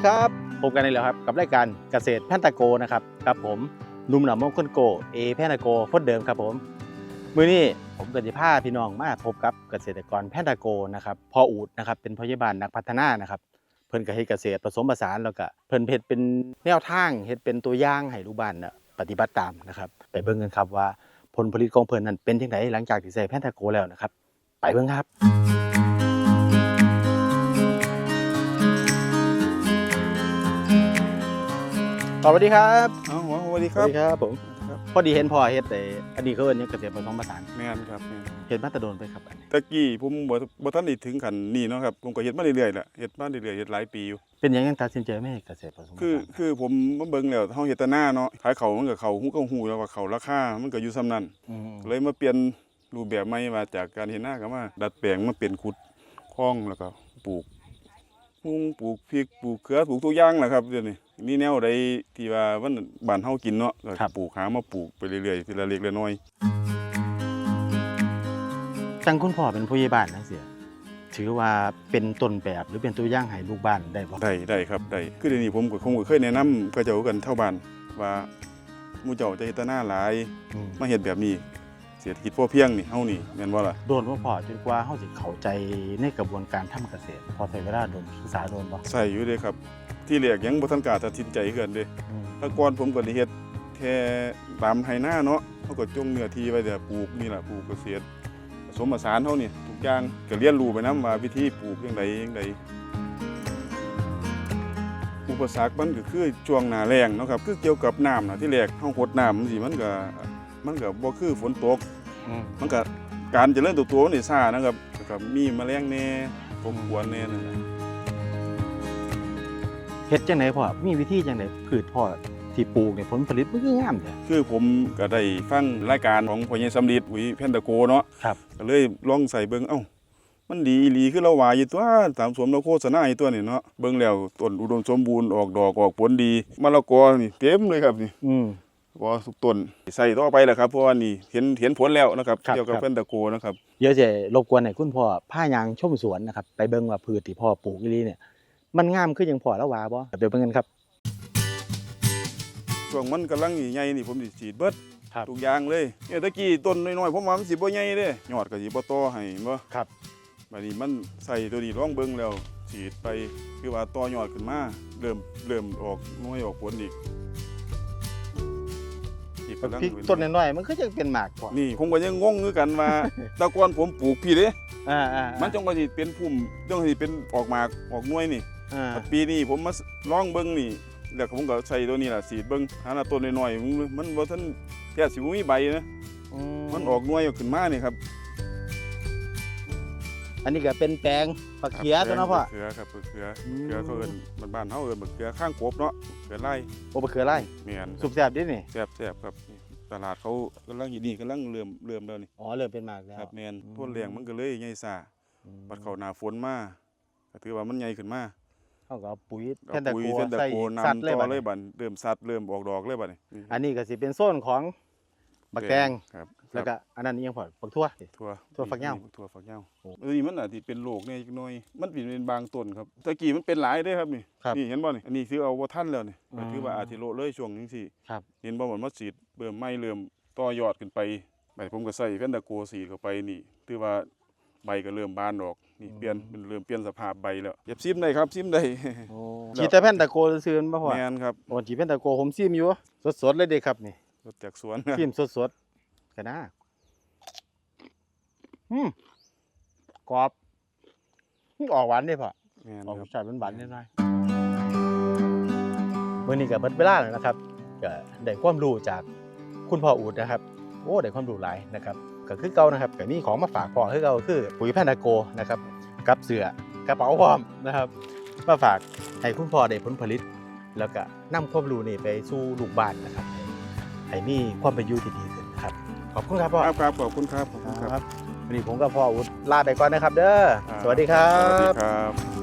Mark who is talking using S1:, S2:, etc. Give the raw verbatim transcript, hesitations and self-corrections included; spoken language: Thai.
S1: ดีครับพบกันอีกแล้วครับกับรายการเกษตรแพนตาโกนะครับกับผมหนุ่มหนำมงคลโกเอแพนตาโกคนเดิมครับผมมื้อนี้ผมก็จะพาพี่น้องมาพบกับเกษตรกรแพนตาโกนะครับพ่ออูดนะครับเป็นพยาบาลนักพัฒนานะครับเพิ่นก็เฮ็ดเกษตรผสมผสานแล้วก็เพิ่นเฮ็ดเป็นแนวทางเฮ็ดเป็นตัวอย่างให้ลูกบ้านน่ะปฏิบัติตามนะครับไปเบิ่งกันครับว่าผลผลิตของเพิ่นนั้นเป็นจังไดหลังจากที่ใช้แพนตาโกแล้วนะครับไปเบิ่งครับสวัสดีครับ
S2: อ๋อสวัสดีค
S1: ส
S2: รับ
S1: วัสดีครับผมพอดีเห็นพ่อเฮ็ดแต่อันนี้เขาเอิ้นหยังเกษตรผสมผสาน
S2: แม่นครับแม่น
S1: เฮ็ดมาแต่โดนไปครับอันนี้
S2: ตะกี้ผมบ่บ่ทันได้ถึงขั้นนี้เนาะครับผมก็เฮ็ดมาเรื่อยๆแหละเฮ็ดมาเรื่อยๆเฮ็ดหลายปีอยู่
S1: เป็นหยังยังตัดสินใจไม่เฮ็ดเกษตรผสมผสาน
S2: คือคือผมมาเบิ่งแล้วเฮาเฮ็ดแต่หน้าเนาะขายเขามันก็เขาฮู้ก็ฮู้แล้วว่าเขาราคามันก็อยู่ส่ำนั้น
S1: อืม
S2: เลยมาเปลี่ยนรูปแบบใหม่ว่าจากการเฮ็ดหน้าก็มาดัดแปลงมาเป็นขุดคลองแล้วก็ปลูกมุงปลูกพริกปลูกเขือปลูกทุกอย่างแหละครับเดี๋ยวนี้มีแนวใดที่ว่ามันบ้านเฮากินเนาะก็ปลูกหามาปลูกไปเรื่อยๆทีละเล็กละน้อย
S1: จังคุณพ่อเป็นผู้ใหญ่บ้านจังซี่ถือว่าเป็นต้นแบบหรือเป็นตัวอย่างให้ลูกบ้านได้บ่
S2: ได้ได้ครับได้คือเดี๋ยวนี้ผมก็คงก็เคยแนะนำก็เจ้ากันเท่าบ้านว่าหมู่เจ้าจะเฮ็ดแต่หน้าหลาย
S1: อืม
S2: มาเฮ็ดแบบนี้เศรษฐกิจพอเพียงนี่เฮานี่แม่นบ่ล่ะ
S1: โดนบ่พ่อจนกว่าเฮาสิเข้าใจในกระบวนการทำเกษตรพอใช้เวลาโดนศึกษาโดนบ่
S2: ใส่อยู่เด้ครับ ที่แรกยังบ่ทันกล้าตัดสินใจคือกันเด้
S1: อืม
S2: แต่ก่อนผมก็ได้เฮ็ดแค่ตามไร่นาเนาะเฮาก็จงเนื้อที่ไว้แต่ปลูกนี่ล่ะปลูกเกษตรผสมผสานเฮานี่ทุกอย่างก็เรียนรู้ไปนำว่าวิธีปลูกจังไดจังไดอุปสรรคมันก็คือช่วงหน้าแล้งเนาะครับคือเกี่ยวกับน้ำน่ะที่แรกเฮาหดน้ำจังซี่มันก็มันก็บ่คือฝนตก
S1: อืม
S2: มันก็การเจริญเตัวตัวมันนี่ช้านะครับแล้วก็มีแมลงแหน่รบกวนแหน่นั่นแหละ
S1: เฮ็ดจังไดพ่อมีวิธีจังไดพืชพ่อที่ปลูกเนี่ยผลผลิตมันคืองามแท้
S2: คือผมก็ได้ฟังรายการของพ่อใหญ่สำลีปุ๋ยแพนตาโกเนาะ
S1: ครับ
S2: ก็เลยลองใส่เบิ่งเอ้ามันดีอีหลีคือเราว่าอยู่ตัวตามสวมเราโฆษณาอยู่ตัวนี่เนาะเบิ่งแล้วต้นอุดมสมบูรณ์ออกดอกออกผลดีมะละกอนี่เต็มเลยครับนี่
S1: อืม
S2: ก็ทุกต้นใส่ต่อไปแหละครับเพราะว่านี่เห็นเห็นผลแล้วนะครับ
S1: ครับ
S2: เกี่ยวกับ
S1: ครับ
S2: แพนตาโกนะครับ
S1: เดี๋ยวจะรบกวนให้คุณพ่อพายางชมสวนนะครับไปเบิ่งว่าพืชที่พ่อปลูกอีหลีเนี่ยมันงามคือจังพ่อแล้วว่าบ่เดี๋ยวเบิ่งกันครับ
S2: ช่วงมันกำลังใหญ่ๆนี่ผมสิฉีดเบิด
S1: ครับ
S2: ทุกอย่างเลยเนี่ยตะกี้ต้นน้อยๆผมว่ามันสิบ่ใหญ่เด้ยอดก็สิบ่โตให้บ่
S1: ครับ
S2: บัดนี้มันใส่ตัวนี้ลองเบิ่งแล้วฉีดไปคือว่าต่อยอดขึ้นมาเริ่มเริ่มออกหน่วยออกผลอีกอีกกำลัง
S1: พริกต้นน้อยๆมันก็จะเป็นหมากพ่อ
S2: นี่ผมก็ยังงงคือกันว่า แต่ก่อนผมปลูกพี่เด้
S1: อ่าอ่า
S2: มันจังว่าสิเป็นพุ่มจังว่าสิเป็นออกหมากออกหน่วยนี่
S1: อ่า
S2: แต่ปีนี้ผมมาลองเบิ่งนี่แล้วผมก็ใส่ตัวนี้ล่ะฉีดเบิ่งหาหน้าต้นน้อยๆมันมันบ่ทันแค่สิบ่มีใบนะมันออกหน่วยออกขึ้นมานี่ครับ
S1: อันนี้ก็เป็นแปลงผักเขียตัวเนาะพ่อ
S2: เขือครับเขือ
S1: อืม
S2: เขือเขาเอิ้นบ้านๆเฮาเอิ้นบักเขือข้างกบเนาะเขือไร่
S1: โอ้บะเขือไร่
S2: แม่น
S1: สุกแซ่บดินี่
S2: แซ่บแซ่บครับนี่ตลาดเขากำลังอยู่นี่กำลังเริ่มเริ่มแล้วนี่
S1: อ๋อเริ่มเป็นหมากแล้ว
S2: ครับแม่น
S1: อืม
S2: ต้นแรงมันก็เลยใหญ่ซ่า
S1: อืม
S2: บัดเข้าหน้าฝนมาก็ถือว่ามันใหญ่ขึ้นมา
S1: เขาก็เอาปุ๋ย
S2: เอา
S1: แพนตา
S2: ปุ๋ย
S1: โก
S2: เส้นตะ
S1: ใส่
S2: โก
S1: สัต
S2: นำ
S1: ว์เลย
S2: ต่
S1: บั
S2: อ
S1: ด
S2: เล
S1: นี้
S2: ยบัดเริ่มสัตว์เริ่มออกดอกเลยบัดนี้
S1: อันนี้ก็สิเป็นโซนของบักแตง
S2: ครับ
S1: แล้วก็อันนั้นอีหยังพ่อบักทั่ว
S2: ทั่ว
S1: ทั่วฝักยาว
S2: ทั่วฝักยาว
S1: โอ้
S2: เอ้ยมันอาจสิเป็นโรคเนี่ยจักหน่อยมันเป็นเป็นบางต้นครับตะกี้มันเป็นหลายเด้ครับนี่
S1: ครับ
S2: นี่เห็นบ่นี่อันนี้ถือเอาบ่ทันแล้วนี่
S1: อ๋อ
S2: ก็ถือว่าอาจสิโละเลยช่วงจังซี่
S1: ครับ
S2: เห็นบ่เหมือนมาสีดเบิ่มไม้เริ่มต่อยอดขึ้นไปใบผมก็ใส่แพนตาโกสีดเข้าไปนี่ถือว่าใบก็เริ่มบานออกนี่เปลี่ยนมันเริ่มเปลี่ยนสภาพใบแล้วเก็บซิมได้ครับซิมได้
S1: โอ้ฉีดแต่แพนตาโกซื่อๆบ่พ่อ
S2: แม่นครับ
S1: โอ้ฉีดแพนตาโกผมซิมอยู่สดๆเลยเด้ครับนี่
S2: รถจากสวน
S1: ซิมสดๆกันนะอืมกรอบมันออกหวานเด้พ่อ
S2: แม่น
S1: ออก
S2: ครับ
S1: ชาติหวานๆนิดหน่อยมื้อนี้ก็เบิดเวลาแล้วนะครับก็ได้ความรู้จากคุณพ่ออูดนะครับ โอ้ได้ความรู้หลายนะครับก็คือเก่านะครับก็มีของมาฝากพ่อคือเก่าคือปุ๋ยแพนตาโกนะครับกับเสื้อกระเป๋าพร้อมนะครับมาฝากให้คุณพ่อได้ผลผลิต แล้วก็นำความรู้นี่ไปสู่ลูกบ้านนะครับให้ให้มีความเป็นอยู่ที่ดีขึ้นนะครับขอบคุณครับพ่อ
S2: ครับครับขอบคุณครับขอบคุณครับ
S1: วันนี้ผมกับพ่ออูดลาไปก่อนนะครับ เด้อ
S2: ครับ
S1: สวัสดีครั
S2: สวัสดี
S1: บ
S2: ครับ